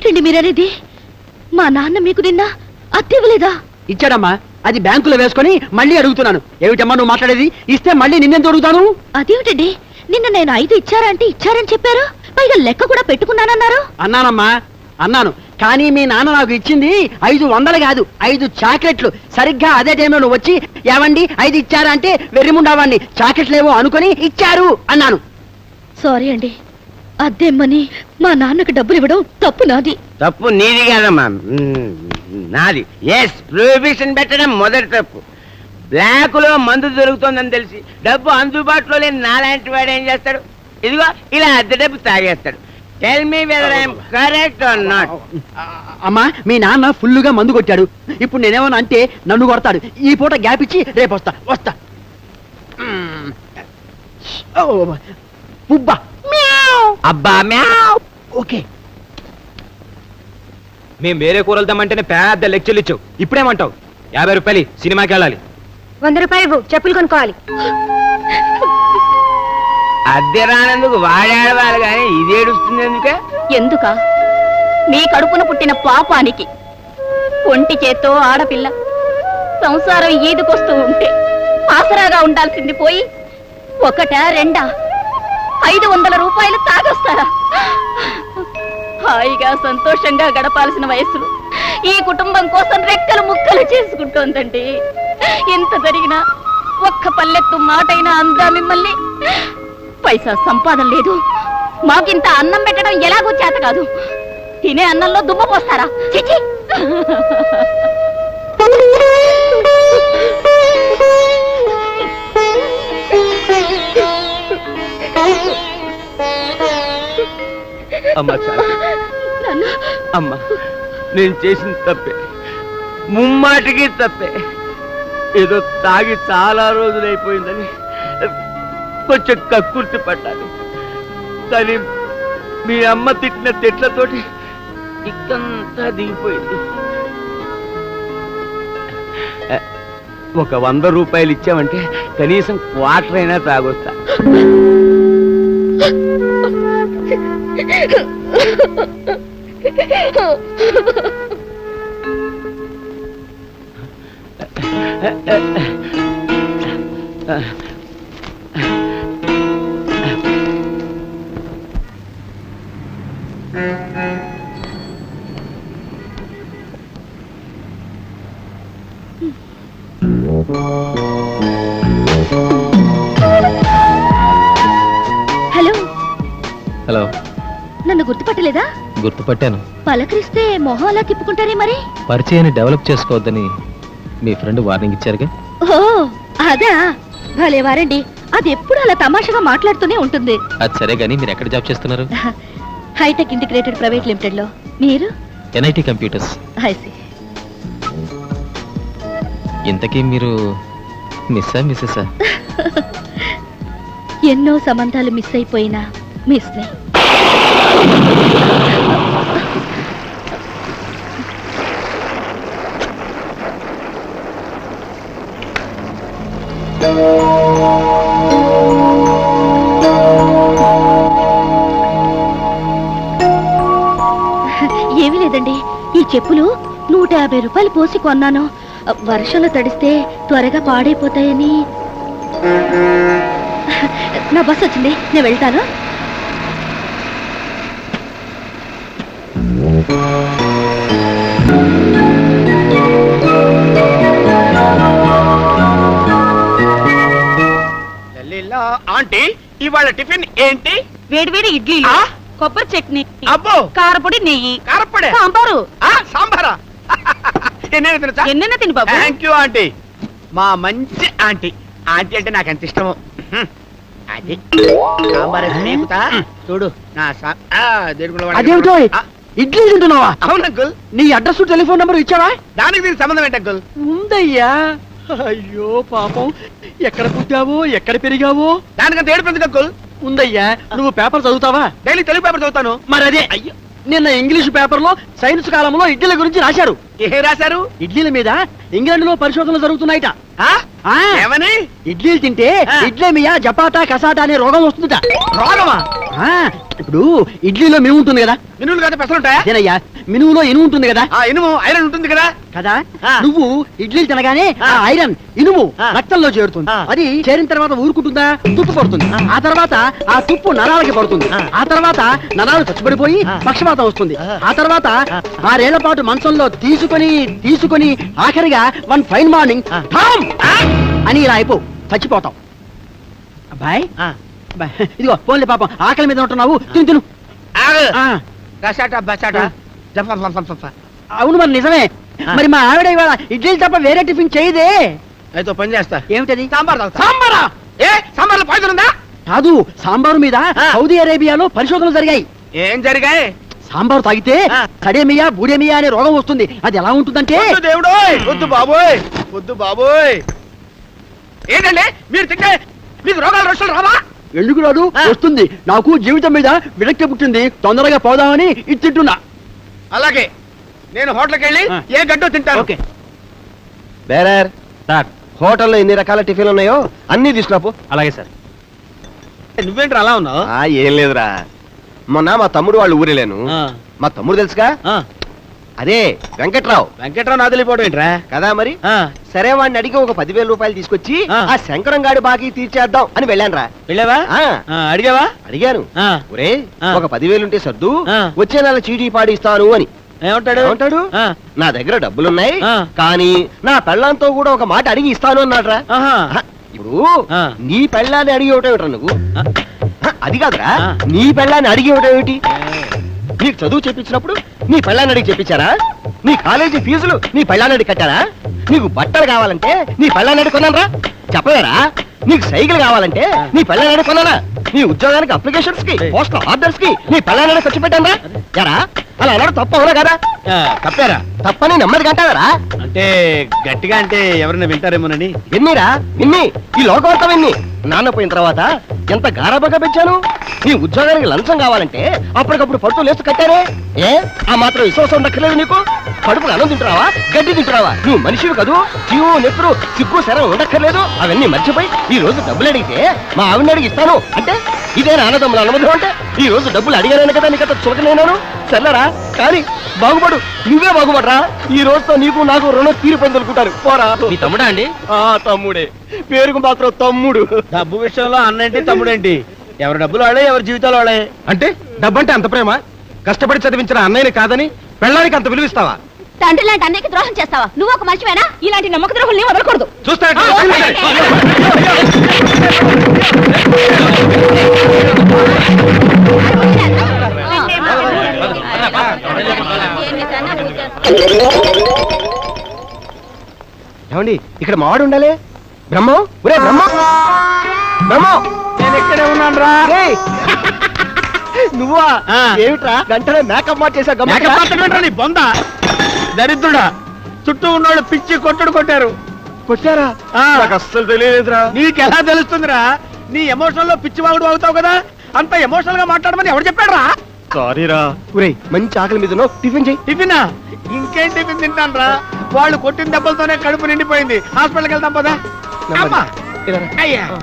ఏమిటండి మీరనేది? మా నాన్న మీకు నిన్న అద్దె ఇవ్వలేదా? ఇచ్చాడమ్మా, అది బ్యాంకులో వేసుకొని మళ్ళీ అడుగుతున్నాను. ఏమిటమ్మా నువ్వు మాట్లాడేది? ఇస్తే మళ్ళీ నిన్నెందుకు అడుగుతాను? అదేమిటండి, నిన్న నేను 5 ఇచ్చారా అంటే ఇచ్చారని చెప్పారు, పైగా లెక్క కూడా పెట్టుకున్నానన్నారు. అన్నానమ్మా, అన్నాను. కానీ మీ నాన్న నాకు ఇచ్చింది 500 కాదు, 5 చాక్లెట్లు. సరిగ్గా అదే టైంలో నువ్వు వచ్చి ఏవండి 5 ఇచ్చారా అంటే వెర్రిముండావాడిని చాక్లెట్లేవో అనుకుని ఇచ్చారు అన్నాను. సారీ అండి, అద్దెమ్మని మా నాన్నకు డబ్బులు ఇవ్వడం తప్పు నాది. తప్పు నీది కాదమ్మా, నాది. ఎస్, ప్రొహిబిషన్ పెట్టడం మొదటి తప్పు. బ్లాక్ లో మందు దొరుకుతుందని తెలిసి డబ్బు అందుబాటులో లేని నాలాంటి వాడు ఏం చేస్తాడు? ఇదిగో ఇలా అద్దె డబ్బు తాగేస్తాడు. Tell me whether I am correct or not. అమ్మా, మీ నాన్న ఫుల్లుగా మందు కొట్టాడు. ఇప్పుడు నేనేమన్నా అంటే నన్ను కొడతాడు. ఈ పూట గ్యాప్ ఇచ్చి రేపు వస్తా. పుబ్బా అబ్బా మ్యావ్. ఓకే. మేము వేరే కూరలు తెమ్మంటేనే పెద్ద లెక్చర్లు ఇచ్చావు. ఇప్పుడేమంటావు? 50 రూపాయలు సినిమాకి వెళ్ళాలి. 100 రూపాయలు చెప్పులు కొనుక్కోవాలి. అద్దె రానందుకు వాడేడవాలి కానీ ఇది ఏడుస్తుంది ఎందుకే? ఎందుక? మీ కడుపున పుట్టిన పాపానికి. ఒంటి చేత్తో ఆడపిల్ల సంసారం ఈదుకొస్తూ ఉంటే ఆసరాగా ఉండాల్సింది పోయి 1, 2, 500 రూపాయలు తాగొస్తారా? హాయిగా సంతోషంగా గడపాల్సిన వయస్సులో ఈ కుటుంబం కోసం రెక్కలు ముక్కలు చేసుకుంటోందండి. ఎంత జరిగినా ఒక్క పల్లెత్తు మాటైనా అందా మిమ్మల్ని? పైసా సంపాదన లేదు, మాకింత అన్నం పెట్టడం ఎలాగో చేత కాదు. తినే అన్నంలో దుమ్మ పోస్తారా? చిచి! అమ్మా చాలు. అమ్మా, నేను చేసిన తప్పే, ముమ్మాటికి తప్పే. ఏదో తాగి చాలా రోజులైపోయిందని కొంచెం కక్కుర్తి పడ్డాను. కానీ మీ అమ్మ తిట్టిన తిట్లతోటి ఇక్కంతా దిగిపోయింది. ఒక 100 రూపాయలు ఇచ్చామంటే కనీసం క్వార్టర్ అయినా తాగొస్తా. హలో. హలో. నన్ను గుర్తుపట్టలేదా? గుర్తుపట్టాను. పలకరిస్తే మొహం అలా తిప్పుకుంటారే మరి? పరిచయాన్ని డెవలప్ చేసుకోవద్దని మీ ఫ్రెండ్ వార్నింగ్ ఇచ్చారుగా. ఓ అదా, భలే వారండి. అది ఎప్పుడు అలా తమాషాగా మాట్లాడుతూనే ఉంటుంది. అది సరే గానీ మీరు ఎక్కడ జాబ్ చేస్తున్నారు? హైటెక్ ఇంటిగ్రేటెడ్ ప్రైవేట్ లిమిటెడ్ లో. మీరు? NIT computers. ఐసి. ఇంతకీ మీరు మిస్సా మిస్సెసా? ఎన్నో సంబంధాలు మిస్ అయిపోయినా మిస్ ని. ఏమీ లేదండి, ఈ చెప్పులు 150 రూపాయలు పోసి కొన్నాను. వర్షంలో తడిస్తే త్వరగా పాడైపోతాయని. నా బస్ వచ్చింది, నేను వెళ్తాను. ఆంటీ, ఇవాళ టిఫిన్ ఏంటి? వేడివేడి ఇడ్లీ, కొబ్బరి చట్నీ, అబ్బో కారపొడి, నెయ్యి, కారపొడి, సాంబారు. సాంబారా? ఎన్నెన్న తిని బాబు. థ్యాంక్ యూ ఆంటీ, మా మంచి ఆంటీ. ఆంటీ అంటే నాకు ఎంత ఇష్టమో. అది సాంబార్ చూడు నా అదేమిటో ఇడ్లీ తింటున్నావా? అవును అంకుల్. నీ అడ్రస్ టెలిఫోన్ నెంబర్ ఇచ్చావా? దానికి దీనికి సంబంధం ఏంటి అంకుల్? ఉందయ్యా. అయ్యో పాపం, ఎక్కడ పుట్టావో ఎక్కడ పెరిగావో. దానికంత ఏడుపు అంకుల్. ఉందయ్యా. నువ్వు పేపర్ చదువుతావా? డైలీ తెలుగు పేపర్ చదువుతాను. మరి అదే అయ్యో, నిన్న ఇంగ్లీష్ పేపర్ లో సైన్స్ కాలంలో ఇడ్లీల గురించి రాశారు. ఏ రాశారు? ఇడ్లీల మీద ఇంగ్లాండ్ లో పరిశోధనలు జరుగుతున్నాయిట. ఏమని? ఇడ్లీలు తింటే ఇడ్లీమియా జపాటా కసాటా అనే రోగం వస్తుందట. రోగమా? ఆ, ఇప్పుడు ఇడ్లీలో మినుము ఉంటుంది కదా, మినువులు కదా పెసలు ఉంటాయా? అదేనయ్యా మినుములో ఇనుము ఉంటుంది కదా ఇనుము ఐరన్ ఉంటుంది కదా. కదా ఆ. నువ్వు ఇడ్లీలు తినగానే ఆ. ఆ ఐరన్ ఇనుము ఆ. రక్తంలో చేరుతుంది. ఆ. అది చేరిన తర్వాత ఊరుకుంటుందా, తుప్పు పడుతుంది. ఆ తర్వాత ఆ తుప్పు నరాలకి పడుతుంది. ఆ. ఆ తర్వాత నరాలు చచ్చిపడిపోయి ఆ. పక్షపాతం వస్తుంది. ఆ. ఆ తర్వాత ఆ. 6 ఏళ్ల పాటు మంచంలో తీసుకొని ఆఖరిగా వన్ ఫైన్ మార్నింగ్ ఆ. ఠామ్ అని ఇలా అయిపో చచ్చిపోతాం. అబ్బాయి ఆ. అబ్బాయి, ఇదిగో పోన్లే పాపం ఆకలి మీద ఉంటున్నావు, తిను. ఆగు. ఆ. గసాట బసాట ఆ. జఫ ఫ ఫ ఫ ఫ. అవును మరి నిజమే. ఆ. మరి మా ఆవిడ ఇవాళ ఇడ్లీలు తప్ప వేరే టిఫిన్ చేయదే. అయితే ఓ పని చేస్తా. ఏమిటది? సాంబార్ తాగుతా. సాంబారా? ఏ సాంబార్లో పాయిజన్ ఉందా? కాదు, సాంబారు మీద ఆ. సౌదీ అరేబియాలో పరిశోధనలు జరిగాయి. ఏం జరిగాయి? సాంబారు తాగితే ఆ. సడేమియా బూడేమియా అనే రోగం వస్తుంది. అది ఎలా ఉంటుందంటే వద్దు దేవుడోయ్, వద్దు బాబోయ్, వద్దు బాబోయ్. ఏంటండి మీరు తింటే మీకు రోగాలు రొచ్చులు రావా? ఎందుకు రాదు, ఆ. వస్తుంది. నాకు జీవితం మీద విరక్తి పుట్టింది, తొందరగా పోదామని ఇది తింటున్నా. అలాగే నేను హోటల్కి వెళ్ళి ఆ. ఏ గడ్డో తింటాను. ఓకే. బేరర్ సార్, హోటల్లో ఎన్ని రకాల టిఫిన్లు ఉన్నాయో అన్ని తీసుకురాపు. అలాగే సార్. నువ్వేంటి అలా ఉన్నావు? ఏం లేదురా, మొన్న మా తమ్ముడు వాళ్ళు ఊరెళ్ళాను. మా తమ్ముడు తెలుసుగా, అదే వెంకట్రావు. వెంకట్రావు నాదిలిపోవడం ఏంట్రా? కదా మరి. సరే వాడిని అడిగి ఒక 10,000 రూపాయలు తీసుకొచ్చి ఆ. ఆ శంకరం గాడి బాకీ తీర్చేద్దాం అని వెళ్ళానురా. వెళ్ళావా? ఆ. అడిగావా? అడిగాను, ఆ. ఒరే ఆ. ఒక 10,000 ఉంటే సర్దు, ఆ. వచ్చే నెల చీటీ పాడి ఇస్తాను అని. ఏమంటాడు? ఏమంటాడు? ఆ. నా దగ్గర డబ్బులున్నాయి, ఆ. కానీ నా పెళ్ళంతో కూడా ఒక మాట అడిగి ఇస్తాను అన్నాడ్రా. ఆహా. ఇప్పుడు ఆ. నీ పెళ్ళాన్ని అడిగి ఇవ్వటం నువ్వు, అది కాదురా, ఆ. నీ పెళ్ళాన్ని అడిగి ఇవ్వటం ఏమిటి? నీకు చదువు చెప్పించినప్పుడు నీ పెళ్ళాన్ని అడిగి చెప్పించారా? నీ కాలేజీ ఫీజులు నీ పెళ్ళాన్ని అడిగి కట్టారా? నీకు బట్టలు కావాలంటే నీ పెళ్ళాన్ని అడిగి కొన్నారా? చెప్పలేరా? నీకు సైకిల్ కావాలంటే నీ పెళ్ళాన్ని అడిగి కొన్నారా? నీ ఉద్యోగానికి అప్లికేషన్స్ కి పోస్టల్ ఆర్డర్స్ కి నీ పెళ్ళాన్ని అడిగి ఖర్చు పెట్టారా? ఎరా అలా అన్నాడు తప్ప అవునా కదా? తప్పారా? తప్పని నెమ్మది అంటారా? అంటే గట్టిగా అంటే ఎవరైనా వింటారేమోనని. విన్నీరా విన్ని, ఈ లోకవార్త విన్ని. నాన్న పోయిన తర్వాత ఎంత గారాబగా పెంచాను. నీ ఉద్యోగానికి లంచం కావాలంటే అప్పటికప్పుడు పడుతూ లేస్తూ కట్టారే. ఏ ఆ మాత్రం విశ్వాసం ఉండక్కర్లేదు నీకు? కడుపుకు అన్నం తింటున్నావా, గడ్డి తింటున్నావా? నువ్వు మనిషివి కదూ, జీవు నెత్తురు సిగ్గు శరం ఉండక్కర్లేదు. అవన్నీ మర్చిపోయి ఈ రోజు డబ్బులు అడిగితే మా ఆవిడని అడిగి ఇస్తాను అంటే ఇదే అన్నదమ్ముల అనుమతి అంటే ఈ రోజు డబ్బులు అడిగాను కదా నీకంత చులకనేనాను. సర్లేరా, కానీ బాగుపడు, నువ్వే బాగుపడరా. ఈ రోజుతో నీకు నాకు రుణం తీరిపోయింది అనుకుంటారు. పోరా. మీ తమ్ముడా అండి? తమ్ముడే, పేరుకు మాత్రం తమ్ముడు. డబ్బు విషయంలో అన్నేంటి తమ్ముడేంటి? ఎవరి డబ్బులు వాడే, ఎవరి జీవితాలు వాడే. అంటే డబ్బంటే అంత ప్రేమ? కష్టపడి చదివించిన అన్నయ్యని కాదని పెళ్ళానికి అంత విలువిస్తావా? తండ్రి లాంటి అన్నయ్యకి ద్రోహం చేస్తావా? నువ్వు ఒక మనిషివేనా? ఇలాంటి నమ్మక ద్రోహుల్ని వదలకూడదు. చూస్తా ఏమండి, ఇక్కడ మావాడు ఉండాలి. బ్రహ్మం, ఒరే బ్రహ్మం, బ్రహ్మం, నేను ఎక్కడే ఉన్నాను రా. రేయ్. నువ్వా? ఆ. ఏమిట్రా వెంటనే మేకప్ మార్చేసా? మేకప్ ఆర్టిస్ట్ నీ బొంద దరిద్రుడా. చుట్టూ ఉన్నోళ్ళు పిచ్చి కొట్టారు. కొట్టారా? ఆ. నాకు అస్సలు తెలియలేదురా. నీకెలా తెలుస్తుందిరా? నీ ఎమోషనల్ లో పిచ్చి వాగుడు వాగుతావు కదా. అంత ఎమోషనల్ గా మాట్లాడమని ఎవరు చెప్పాడు రా? సారీరా. ఒరేయ్, మంచి ఆకలి మీద టిఫిన్ చెయ్యి. టిఫినా? ఇంకేం టిఫిన్ తింటాను రా? వాళ్ళు కొట్టిన దెబ్బలతోనే కడుపు నిండిపోయింది. హాస్పిటల్కి వెళ్తాం పదా. నెమ్మది. అమ్మా. ఇలా రా. అయ్యా.